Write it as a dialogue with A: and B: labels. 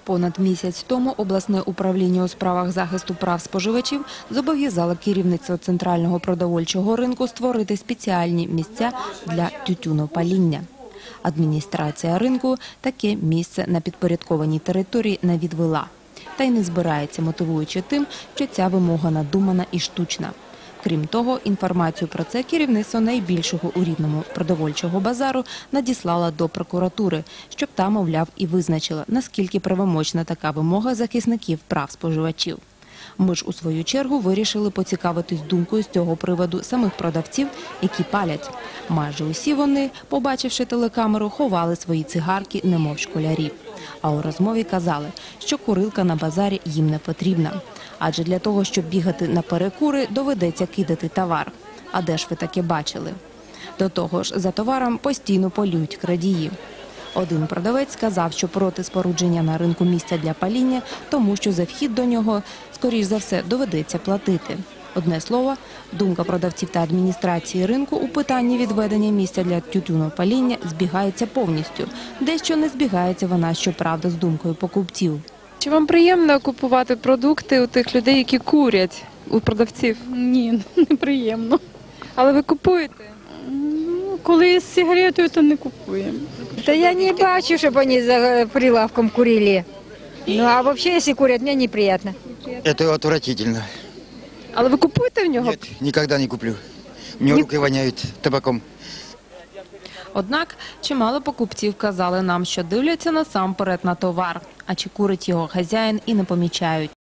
A: Понад місяць тому обласне управління у справах захисту прав споживачів зобов'язало керівництво центрального продовольчого ринку створити спеціальні місця для тютюнопаління. Адміністрація ринку таке місце на підпорядкованій території не відвела. Та й не збирається, мотивуючи тим, що ця вимога надумана і штучна. Крім того, інформацію про це керівництво найбільшого у Рівному продовольчого базару надіслало до прокуратури, щоб та, мовляв, і визначила, наскільки правомочна така вимога захисників прав споживачів. Ми ж, у свою чергу, вирішили поцікавитись думкою з цього приводу самих продавців, які палять. Майже усі вони, побачивши телекамеру, ховали свої цигарки, немов школярі. А у розмові казали, що курилка на базарі їм не потрібна. Адже для того, щоб бігати на перекури, доведеться кидати товар. А де ж ви таке бачили? До того ж, за товаром постійно полюють крадії. Один продавець сказав, що проти спорудження на ринку місця для паління, тому що за вхід до нього, скоріш за все, доведеться платити. Одне слово, думка продавців та адміністрації ринку у питанні відведення місця для тютюнопаління збігається повністю. Дещо не збігається вона, щоправда, з думкою покупців.
B: Чи вам приємно купувати продукти у тих людей, які курять, у продавців?
C: Ні, неприємно.
B: Але ви купуєте?
C: Коли з сигаретою, то не купуємо.
D: Да я не бачу, чтобы они за прилавком курили. Ну а вообще, если курят, мне неприятно.
E: Это отвратительно.
B: Але ви купуєте в нього?
E: Нет, никогда не куплю. У меня руки воняют табаком.
A: Однак, чимало покупців казали нам, що дивляться насамперед на товар, а чи курить його хазяїн і не помічають.